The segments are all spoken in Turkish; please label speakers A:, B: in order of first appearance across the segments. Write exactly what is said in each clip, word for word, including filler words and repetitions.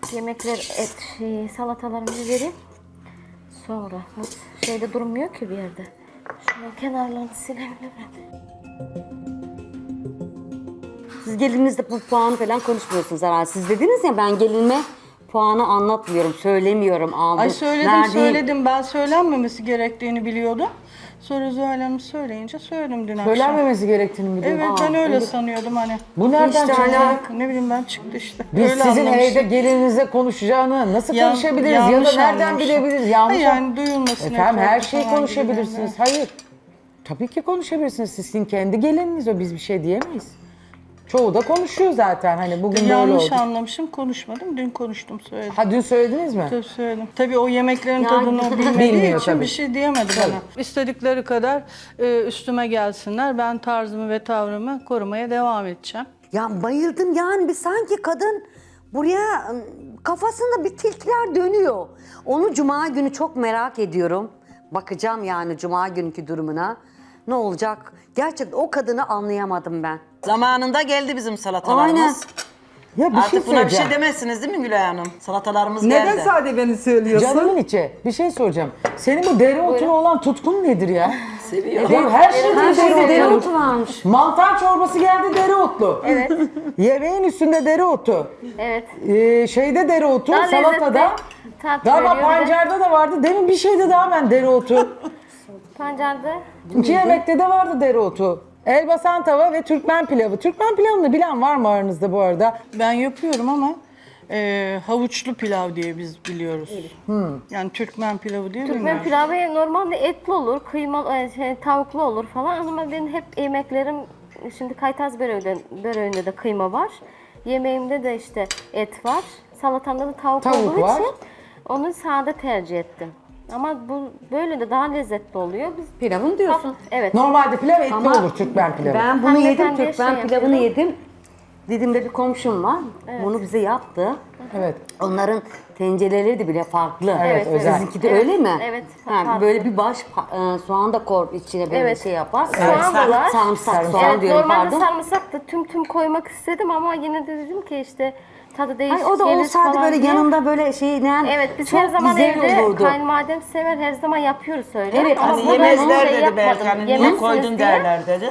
A: yemekler, et, şey, salatalarımızı vereyim. Sonra bu şeyde durmuyor ki bir yerde. Şunun kenarlarını silebilirim.
B: Siz gelinizde bu puanı falan konuşmuyorsunuz herhalde. Siz dediniz ya ben gelinime puanı anlatmıyorum, söylemiyorum, aldım.
C: Ay söyledim
B: verdiğim-
C: söyledim. Ben söylenmemesi gerektiğini biliyordum. Sonra Zuhal Hanım söyleyince söyledim dün akşam.
D: Söylenmemesi gerektiğini biliyorum.
C: Evet
D: Aa,
C: ben öyle
D: öyle-
C: sanıyordum hani.
D: Bu nereden
B: İşte
D: çıktı?
B: alaka.
C: Ne bileyim ben çıktı işte.
D: Biz
C: Öyle
D: sizin
C: anlamışım.
D: evde gelininize konuşacağını nasıl
C: Yan-
D: konuşabiliriz ya da
C: yanlış
D: nereden
C: anlamışım.
D: bilebiliriz? Yanlış
C: Hayır, yani duyulmasın.
D: Efendim her şeyi
C: falan gibi
D: konuşabilirsiniz.
C: yani.
D: Hayır. Tabii ki konuşabilirsiniz. Sizin kendi gelininiz o. Biz bir şey diyemeyiz. Çoğu da konuşuyor zaten. Hani bugün böyle
C: Yanlış
D: oldu.
C: anlamışım, konuşmadım. Dün konuştum, söyledim.
D: Ha dün söylediniz mi?
C: Tabii söyledim. Tabii o yemeklerin
B: Yani-
C: tadını bilmediği
D: Bilmiyor
C: için
D: tabii.
C: bir şey diyemedi bana. İstedikleri kadar e, üstüme gelsinler. Ben tarzımı ve tavrımı korumaya devam edeceğim.
B: Ya bayıldım yani bir sanki kadın buraya ım, kafasında bir tilkiler dönüyor. Onu cuma günü çok merak ediyorum. Bakacağım yani cuma günkü durumuna. Ne olacak? Gerçekten o kadını anlayamadım ben.
E: Zamanında geldi bizim salatalarımız.
B: Aynen.
D: Ya bir şey
E: Artık buna bir
D: söyleyeceğim.
E: şey demezsiniz değil mi Gülay Hanım? Salatalarımız
F: Neden
E: geldi.
F: sade beni söylüyorsun?
D: Canımın içi. Bir şey soracağım. Senin bu dereotuna olan tutkun nedir ya?
E: Seviyor.
D: Değil mi? Her şeyde
B: Her şeyde
D: dereotu.
B: dereotu varmış.
D: Mantar çorbası geldi dereotlu.
A: Evet.
D: Yemeğin üstünde dereotu.
A: Evet.
D: Ee, şeyde dereotu,
A: Daha
D: salatada.
A: lezzetli tat
D: Galiba
A: veriyor bir de.
D: pancarda da vardı. Demin bir şeyde daha ben dereotu.
A: Pancarda
D: İki yemekte de vardı dereotu. Elbasan tava ve Türkmen pilavı. Türkmen pilavını bilen var mı aranızda bu arada?
C: Ben yapıyorum ama e, havuçlu pilav diye biz biliyoruz. Yani Türkmen pilavı diye
A: Türkmen
C: bilmiyorum.
A: pilavı normalde etli olur, kıymalı, e, şey, tavuklu olur falan ama benim hep yemeklerim, şimdi kaytaz böreğinde, böreğinde de kıyma var. Yemeğimde de işte et var. Salatamda da tavuk,
D: Tavuk
A: olduğu
D: var.
A: için onu sade tercih ettim. Ama bu böyle de daha lezzetli oluyor. Biz
B: Pilavın diyorsun.
A: evet.
D: Normalde pilav etli
B: Ama
D: olur Türkmen pilavı.
B: Ben bunu
A: Hanımefendiye
B: yedim, Türkmen
A: şey
B: pilavını
A: yapıyorum.
B: yedim. Didim'de bir komşum var. Bunu bize yaptı.
D: Evet.
B: Onların tencereleri de bile farklı.
D: Evet, özel.
B: Sizinki de
A: Evet,
B: öyle mi?
A: evet,
B: Ha,
A: farklı.
B: böyle bir baş pa- e, soğan da kor içine böyle
A: Evet.
B: şey yapar.
A: Soğan da var.
B: Sarımsak, soğan
A: Evet,
B: diyorum
A: normalde
B: pardon.
A: sarımsak da tüm tüm koymak istedim ama yine de dedim ki işte tadı değişik
B: Ay, o da
A: gelir
B: olsaydı
A: falan
B: böyle
A: diye.
B: yanında böyle şey ne
A: Evet biz
B: çok
A: her zaman
B: güzel
A: evde
B: olurdu.
A: kayınvalidem sever, her zaman yapıyoruz öyle.
B: Evet,
A: Ama
B: hani
A: burada ben onu
E: Yemezler
A: şey
E: dedi belki
A: yapmadım.
E: hani niye
A: Yemezsiniz
E: koydun
A: diye.
E: derler dedi.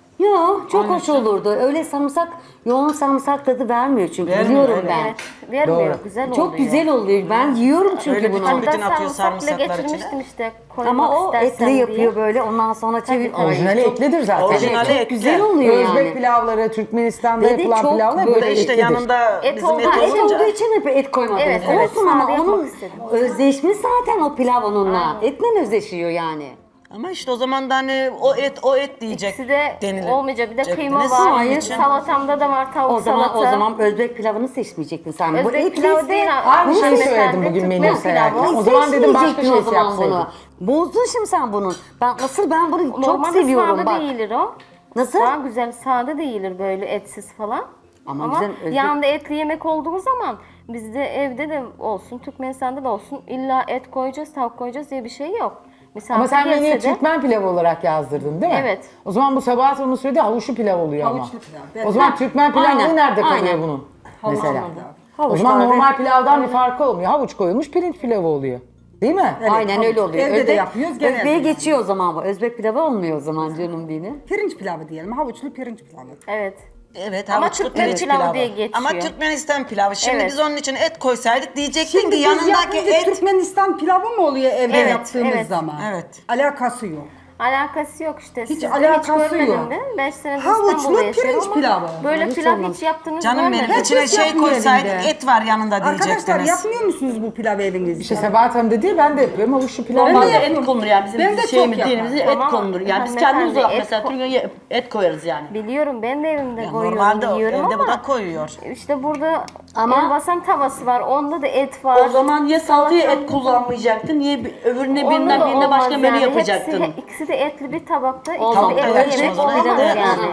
B: Yok çok hoş olurdu. Öyle sarımsak, yoğun sarımsak tadı vermiyor çünkü
E: Vermiyor,
B: biliyorum
E: evet.
B: ben.
A: Evet, vermiyor.
D: Doğru.
A: Güzel oluyor.
B: Çok güzel oluyor. Ben yiyorum çünkü
E: Öyle bir
B: bunu.
E: tane-
A: Hatta
E: Bütün atıyor
A: sarımsakla
E: sarımsaklar
A: getirmiştim
E: içine.
A: işte koymak
B: Ama o
A: istersen
B: etli
A: diye.
B: yapıyor böyle ondan sonra çevir. Ay,
D: Orijinali
B: çok-
D: etlidir zaten.
E: Orijinali
B: Çok
E: etli.
B: güzel oluyor
D: Özbek
B: yani.
D: pilavları, Türkmenistan'da
B: Ve de
D: yapılan
B: çok
D: pilavlar
B: böyle
D: böyle
E: İşte
D: etlidir.
E: yanında
A: Et
E: bizim
A: olduğu
E: et
B: Ha, et
E: olunca.
B: olduğu için hep et koymadınız.
A: Evet, evet.
B: Olsun ama
A: Sade yapmak
B: onun
A: istedim.
B: özleşmiş zaten o pilav onunla. Etle özleşiyor yani.
E: Ama işte o zaman da hani o et o et diyecek
A: İkisi de
E: denilir.
A: olmayacak. Bir de
E: Cektiniz.
A: kıyma var.
E: Onun için-
A: Salatamda da var tavuk
B: O zaman
A: salata.
B: o zaman Özbek pilavını seçmeyecektin sen. Bu
A: Özbek
B: etliyse-
A: pilavı değil.
D: Aynı
A: Bu
D: şeyi
A: hanımefendi
D: söyledim bugün
A: Türkmen
D: menü
A: pilavı.
D: sayarken. O zaman dedim başka
B: Seçmeyecektin
D: şey
B: o zaman
D: yapsaydın.
B: bunu. Bozdun şimdi sen bunu. Ben asıl ben bunu çok
A: Normalde
B: seviyorum
A: sade
B: bak.
A: değildir o.
B: Nasıl?
A: Daha güzel sade değildir böyle etsiz falan.
B: Ama
A: Ama,
B: güzel, özbek-
A: yanında etli yemek olduğu zaman bizde evde de olsun, Türkmenistan'da da olsun illa et koyacağız, tavuk koyacağız diye bir şey yok. Misafir
D: Ama sen menüye
A: gelse de-
D: Türkmen pilavı olarak yazdırdın değil mi?
A: Evet.
D: O zaman bu Sabahat onun söylediği havuçlu pilav oluyor ama.
F: Havuçlu pilav. Ben-
D: O zaman Türkmen pilavı
B: aynen,
D: nerede kalıyor
B: aynen.
D: bunun? Mesela. O
B: Havuç
D: zaman
B: taze.
D: normal pilavdan bir farkı olmuyor. Havuç koyulmuş pirinç pilavı oluyor. Değil mi?
F: Evet,
B: Aynen
F: havuç.
B: öyle oluyor.
F: Evde de
B: Özbek-
F: yapıyoruz, genelde
B: Özbek'e
F: yani.
B: geçiyor o zaman bu. Özbek pilavı olmuyor o zaman canım dini.
F: Pirinç pilavı diyelim. Havuçlu pirinç pilavı.
A: Evet.
E: Evet,
A: Ama
E: havuçlu
A: Türkmen
E: pirinç
A: pilavı
E: pilavı.
A: diye geçiyor.
E: Ama Türkmenistan pilavı. Şimdi
A: Evet.
E: biz onun için et koysaydık diyecektin
F: Şimdi
E: ki
F: biz
E: yanındaki
F: yapınca
E: et.
F: Türkmenistan pilavı mı oluyor evde
A: Evet,
F: yaptığımız
A: evet.
F: zaman?
E: Evet.
F: Alakası yok.
A: Alakası yok işte.
F: Hiç
A: Sizde
F: alakası
A: hiç görmedim
F: yok.
A: de. beş senedir
F: Havuçlu
A: İstanbul'da yaşıyorum
F: pirinç
A: ama
F: pilavı.
A: Böyle
B: Hiç
A: pilav
B: olmamış.
A: hiç yaptığınızı
E: Canım benim
A: görmedim.
E: içine
F: Herkes
E: şey
F: yapmıyor
E: koysaydık
F: evinde.
E: et var yanında
F: Arkadaşlar
E: diyecektiniz.
F: yapmıyor musunuz bu pilav evinizde?
D: İşte Sabahat Hanım dedi ya ben de yapıyorum havuçlu pilav.
F: Ben
D: var.
F: de
G: Normalde
F: yapıyorum.
G: et konulur yani bizim
F: Ben de çok
G: şeyimiz
F: yaparım.
G: dinimizde et
A: Ama
G: konulur. Yani biz
A: hanımefendi,
G: kendimiz olarak
A: et
G: mesela
A: ko-
G: Türkiye'ye et koyarız yani.
A: Biliyorum ben de evimde
E: Ya
A: koyuyorum,
E: normalde o-
A: yiyorum
E: evde
A: ama
E: bu da koyuyor.
A: işte burada
B: Ama-
A: elbasan tavası var, onda da et var.
G: O zaman ya salataya et
A: Salatamda-
G: kullanmayacaktın, niye bir- öbürüne
A: Onda
G: birinden
A: da
G: birine başka
A: olmaz
G: menü
A: yani.
G: yapacaktın.
A: Hepsi, ikisi de etli bir tabakta,
B: Olmaz.
A: ikisi de
E: Evet,
A: etli yemek
E: o zaman
A: olamaz
E: yapamaz.
A: yani.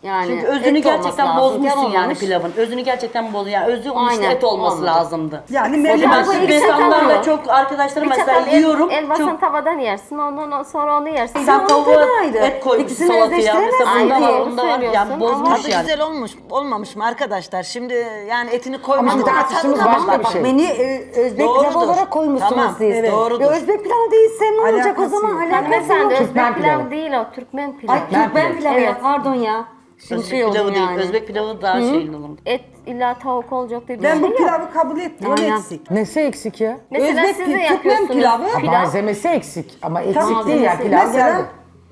B: Yani
G: Çünkü özünü
B: et olması
G: gerçekten
B: lazım.
G: bozmuşsun
B: Yan
G: yani
B: olmamış.
G: pilavın. Özünü gerçekten bozuyor. Yani özü onun işte
B: Aynen,
G: et olması
B: olmadı.
G: lazımdı.
F: Yani
G: O
F: melih
G: zaman
A: Ama
G: şimdi
A: bir çatal
G: insanlarla
A: yok.
G: çok arkadaşlarım
A: Bir
G: mesela
A: çatal el,
G: yiyorum.
A: el basan
G: çok
A: tavadan yersin, ondan sonra onu yersin.
G: sen
B: Onun
G: tavuğa
B: tadı ayrı.
G: et koymuşsun
B: İkisini
G: salataya.
B: özleştiremezsin.
G: Mesela bunda
A: Aynı
G: var,
A: doğru
G: bunda var. Yani
A: söylüyorsun
G: bozmuş
A: ama-
E: Tadı
G: yani.
E: güzel olmuş, olmamış mı arkadaşlar? Şimdi yani etini
D: Ama
E: koymuşlar.
D: bir tartıştığımız başka bir
B: Bak
D: şey.
B: menü e, Özbek
E: Doğrudur.
B: pilavı olarak koymuşsunuz
E: Tamam,
B: siz.
E: evet, doğrudur.
B: Ya Özbek pilavı değilse ne olacak o
F: Alakası
B: zaman?
F: yok.
B: Alakası
A: Hanımefendi
B: yok.
A: Özbek
D: Türkmen
A: pilav
D: pilavı.
A: değil o, Türkmen pilavı.
B: Ay Türkmen
D: pilavı.
B: pilavı ya
A: Evet.
B: pardon ya. Şimdi
G: Özbek
B: şey oldu
G: pilavı değil.
B: yani.
G: Özbek pilavı daha şeyli olur.
A: Et illa tavuk olacak diye bir
F: Ben
A: şey
F: bu
A: yok.
F: pilavı kabul etmiyorum,
B: Aynen.
F: eksik.
D: Nesi eksik ya?
A: Mesela
F: Özbek
A: siz
F: pi-
A: de
F: Türkmen
A: yapıyorsunuz
F: pilavı.
D: Ha,
A: pilav.
D: malzemesi eksik ama eksik
F: Tabii.
D: değil ya pilav
F: Mesela
D: geldi.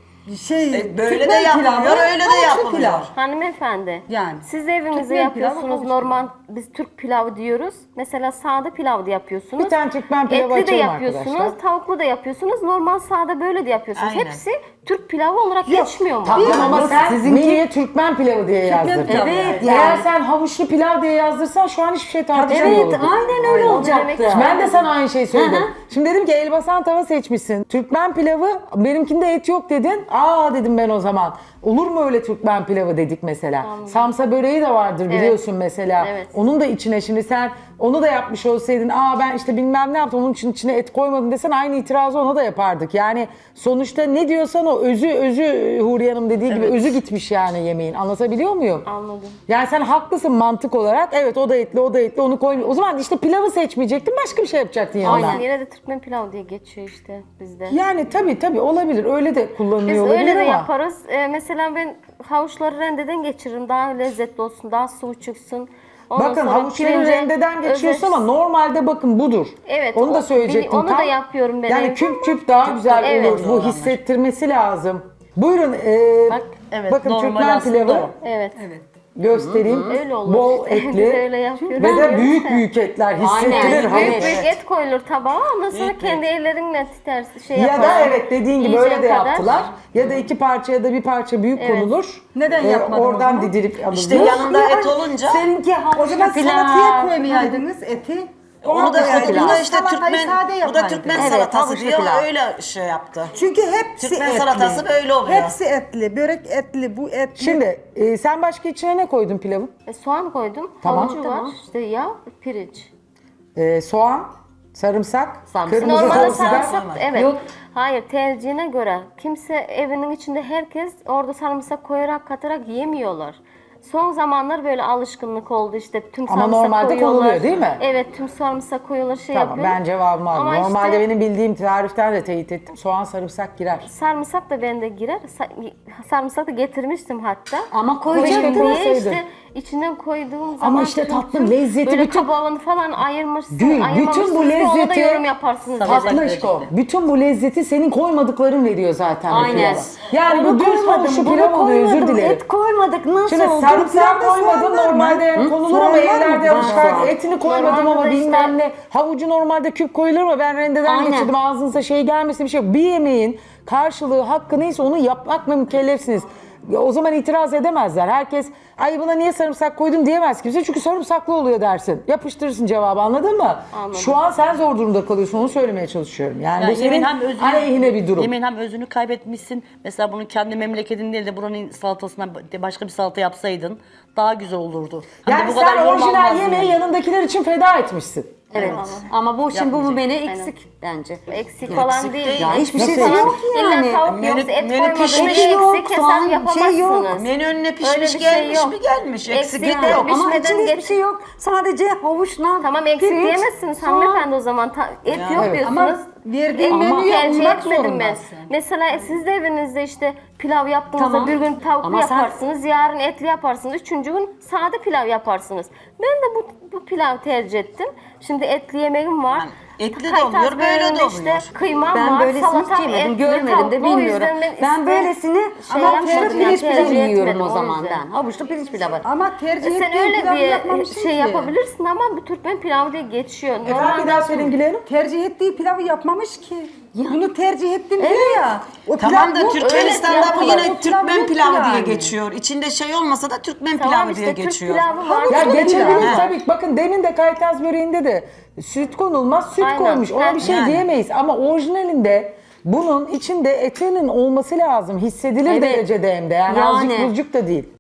F: şey,
E: E, böyle de
F: Türkmen
E: yapılıyor,
F: pilavı,
E: öyle de
F: havuçlu
E: yapılıyor.
F: pilav.
A: Hanımefendi,
F: Yani.
A: siz evinizde
F: Türkmen pilavı,
A: yapıyorsunuz
F: havuç
A: normal, biz Türk pilavı diyoruz. Mesela sade pilav da yapıyorsunuz.
D: Bir tane Türkmen pilavı
A: Etli de
D: açalım
A: yapıyorsunuz,
D: arkadaşlar.
A: tavuklu da yapıyorsunuz, normal sade böyle de yapıyorsunuz.
E: Aynen.
A: Hepsi Türk pilavı olarak geçmiyor mu?
D: Tamam ama
B: Yok,
D: sen
B: sizinki-
D: menüye Türkmen pilavı diye yazdırdın.
F: pilavı.
B: Evet
D: Eğer
B: yani.
D: sen havuçlu pilav diye yazdırsan şu an hiçbir şey tartışamıyor
B: Evet
D: olurduk.
B: aynen öyle
A: Onu
B: olacaktı.
A: demek istedim.
D: Ben de sana aynı şeyi söyledim. Şimdi dedim ki elbasan tava seçmişsin. Türkmen pilavı, benimkinde et yok dedin. Aa dedim ben o zaman. Olur mu öyle Türkmen pilavı dedik mesela. Samsa böreği de vardır biliyorsun mesela.
A: Evet.
D: Onun da içine şimdi sen onu da yapmış olsaydın. Aa ben işte bilmem ne yaptım onun için içine et koymadım desen aynı itirazı ona da yapardık. Yani sonuçta ne diyorsan o özü özü Huriye Hanım dediği gibi özü gitmiş yani yemeğin. Anlatabiliyor muyum?
A: Anladım.
D: Yani sen haklısın mantık olarak. Evet o da etli, o da etli, onu koy. O zaman işte pilavı seçmeyecektin, başka bir şey yapacaktın yanına.
A: Aynen. Yine de Türkmen pilav diye geçiyor işte bizde.
D: Yani tabii tabii olabilir. Öyle de
A: Biz
D: kullanılıyor olabilir
A: öyle de
D: ama.
A: yaparız. Ee, mesela ben havuçları rendeden geçiririm. Daha lezzetli olsun, daha sıvı çıksın. Ondan
D: Bakın
A: sonra
D: havuçları
A: pirince
D: rendeden geçiyorsun ama
A: özel-
D: normalde bakın budur.
A: Evet,
D: Onu da
A: o-
D: söyleyecektim.
A: onu da
D: tam.
A: yapıyorum ben
D: Yani
A: evde
D: küp
A: ama-
D: küp daha güzel
A: Evet.
D: olur. Bu hissettirmesi lazım. Buyurun. e,
G: Bak, evet,
D: bakın
G: normal
D: Türkmen
G: aslında
D: pilavı
G: o.
A: Evet.
D: göstereyim.
A: Öyle olur.
D: Bol
A: işte. Biz
D: etli.
A: öyle yapıyoruz.
D: Ve de
A: Diyoruz
D: büyük
A: da.
D: büyük etler hissettirir
B: Aynen,
D: havuç.
A: Büyük büyük et koyulur tabağa. Ondan sonra kendi ellerinle ters şey
D: Ya
A: yaparsın.
D: da evet dediğin gibi
A: Yiyeceğin
D: öyle de
A: kadar.
D: yaptılar. Ya da iki parça ya da bir parça büyük
A: Evet.
D: konulur.
F: Neden
D: Ee,
F: yapmadın o
D: Oradan
F: zaman?
D: didilip alınır.
E: İşte yanında et olunca
B: Seninki
F: O zaman
B: havuçlu pilav.
F: salataya koymayaydınız eti.
E: onu da
F: koyaydınız.
E: bu da işte
F: Salatayı
E: Türkmen
F: sade
E: bu da
F: yapaydınız.
E: Türkmen
B: Evet,
E: salatası
B: havuçlu
E: diyor
B: pilav.
E: öyle şey yaptı.
F: Çünkü hepsi
E: Türkmen
F: etli.
E: salatası böyle oluyor.
F: Hepsi etli, börek etli, bu etli.
D: Şimdi e, sen başka içine ne koydun pilavın?
A: E, soğan koydum.
D: Tamam.
A: Havucu var. İşte yağ, pirinç.
D: E, soğan, sarımsak,
B: Sarımsak.
D: kırmızı
A: Normalde
D: toz biber.
A: sarımsak evet.
B: Yok.
A: Hayır, tercihine göre kimse evinin içinde herkes orada sarımsak koyarak katarak yemiyorlar. Son zamanlar böyle alışkınlık oldu işte tüm
D: Ama
A: sarımsak
D: normalde
A: koyuyorlar.
D: konuluyor, değil mi?
A: Evet, tüm sarımsak koyuyorlar şey
D: Tamam
A: yapıyor.
D: ben cevabımı aldım.
A: Ama
D: Normalde
A: işte-
D: benim bildiğim tariften de teyit ettim. Soğan, sarımsak girer.
A: Sarımsak da bende girer. Sa- sarımsak da getirmiştim hatta.
B: Ama
A: Koyacaktım
B: koyacaktınız.
A: diye işte içine koyduğum zaman
D: işte
A: tüm-
D: tatlım,
A: tüm
D: lezzeti
A: böyle
D: bütün-
A: kabağını falan ayırmışsın,
D: Gül, bütün
A: ayırmamışsın
D: bu
A: diye ona da
D: lezzeti
A: yorum yaparsınız.
G: Salata-
A: dedi.
D: Tatlışko. Bütün bu lezzeti senin koymadıkların veriyor zaten. bu
B: Aynen.
D: pilava. Yani
B: Onu
D: bu düz
B: koymadım,
D: havuçlu
B: bunu
D: pilav oluyor, özür
B: koymadım,
D: dilerim.
B: Et koymadık nasıl
D: Şimdi
B: oldu?
D: sarımsağı
F: Pilavda
D: koymadım
F: soğan var mı?
D: normalde yani
F: Hı?
D: konulur
F: Soğan
D: ama
F: var mı?
D: evlerde
F: Var.
D: alışkanlık. Etini koymadım
A: Normalde
D: ama
A: de işte-
D: bilmem ne. Havucu normalde küp koyulur ama ben rendeden
B: Aynen.
D: geçirdim. Ağzınıza şey gelmesin bir şey yok. Bir yemeğin karşılığı hakkı neyse onu yapmakla mükellefsiniz. Ya o zaman itiraz edemezler. Herkes ay buna niye sarımsak koydun diyemez kimse. Çünkü sarımsaklı oluyor dersin. Yapıştırırsın cevabı, anladın mı?
A: Anladım.
D: Şu an sen zor durumda kalıyorsun, onu söylemeye çalışıyorum. Yani,
G: Yani
D: bu senin
G: yemeğin hem özünü,
D: aleyhine bir durum.
G: Yemeğin hem özünü kaybetmişsin. Mesela bunu kendi memleketin değil de buranın salatasından başka bir salata yapsaydın daha güzel olurdu. Hem de
D: Yani
G: bu kadar
D: sen
G: yorum
D: orijinal
G: almazdın
D: yemeği
G: yani.
D: yanındakiler için feda etmişsin.
B: Evet. Ama bu şimdi bu menü eksik bence.
A: Eksik falan değil.
B: Ya hiçbir şey
D: Nasıl
B: yok yani.
A: İlla tavuk
E: Menü-
A: yoksa et
E: menü
A: koymadığında
E: pişmiş
A: eksik
B: yok,
A: hesap
B: soğan,
A: yapamazsınız.
B: şey yok.
E: Menü önüne
A: Öyle
E: pişmiş
A: bir şey
E: gelmiş
A: yok.
E: mi gelmiş. Eksiklik
A: Eksikler
E: yok.
A: bir-
B: Ama
A: Pişmeden
B: içinde hiçbir
A: geç-
B: şey yok. Sadece havuçla
A: Tamam, eksik
B: pirinç,
A: diyemezsiniz
B: soğan.
A: hanımefendi o zaman. Ta- et yok
D: Evet.
A: diyorsunuz.
F: Ama verdiğin
A: Et
F: menüye
A: tercih
F: uymak
A: etmedim ben.
F: zorundasın.
A: Mesela siz de evinizde işte pilav yaptığınızda
B: Tamam.
A: bir gün tavuklu
B: Ama sen-
A: yaparsınız, yarın etli yaparsınız, üçüncü gün sade pilav yaparsınız. Ben de bu, bu pilav tercih ettim. Şimdi etli yemeğim var.
E: Yani etli de
A: Kaytaz
E: oluyor, böyle de
A: böreğinde
E: oluyor.
A: işte kıymam
B: Ben
A: var,
B: böylesini
A: salatam
B: hiç yemedim,
A: etli,
B: görmedim
A: tavuklu.
B: de
A: O
B: bilmiyorum.
A: yüzden
B: Ben,
A: işte
B: böylesini
A: şey
B: ama havuçlu
A: yapmadım yani,
B: pirinç
A: tercih
B: pilavı yiyorum
A: etmedim,
B: o
A: o
B: zaman
A: yüzden.
B: ben. Havuçlu pirinç pilavı.
F: Ama tercih
A: E sen
F: ettiğin
A: öyle
F: pilavı
A: diye
F: yapmamışsın
A: şey
F: ki.
A: yapabilirsin ama bu Türkmen pilavı diye geçiyor.
D: Efendim bir
A: Normalde-
D: daha söyleyin Gülay Hanım.
F: Tercih ettiği pilavı yapmamış ki. Bunu tercih ettim diyor ya. O
E: Tamam da
F: pilav bu.
E: Türkmenistan'da
A: öyle
E: bu
A: yapıyorlar.
E: yine
F: O pilav
E: Türkmen
F: yok
E: pilavı
F: yani.
E: diye geçiyor. İçinde şey olmasa da Türkmen
A: Tamam
E: pilavı
A: işte
E: diye
A: Türk
E: geçiyor.
A: pilavı var.
D: Ya
F: Havuçlu
D: geçebilir
E: pilav.
D: tabii. Bakın demin de kaytaz böreğinde de süt konulmaz, süt
A: Aynen.
D: koymuş. Ona bir şey
E: Yani.
D: diyemeyiz. Ama orijinalinde bunun içinde etinin olması lazım. Hissedilir
B: Evet.
D: derecede hem de. Yani,
B: Yani.
D: azıcık buzcuk da değil.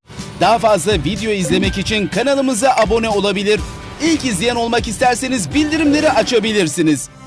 H: Daha fazla video izlemek için kanalımıza abone olabilir. İlk izleyen olmak isterseniz bildirimleri açabilirsiniz.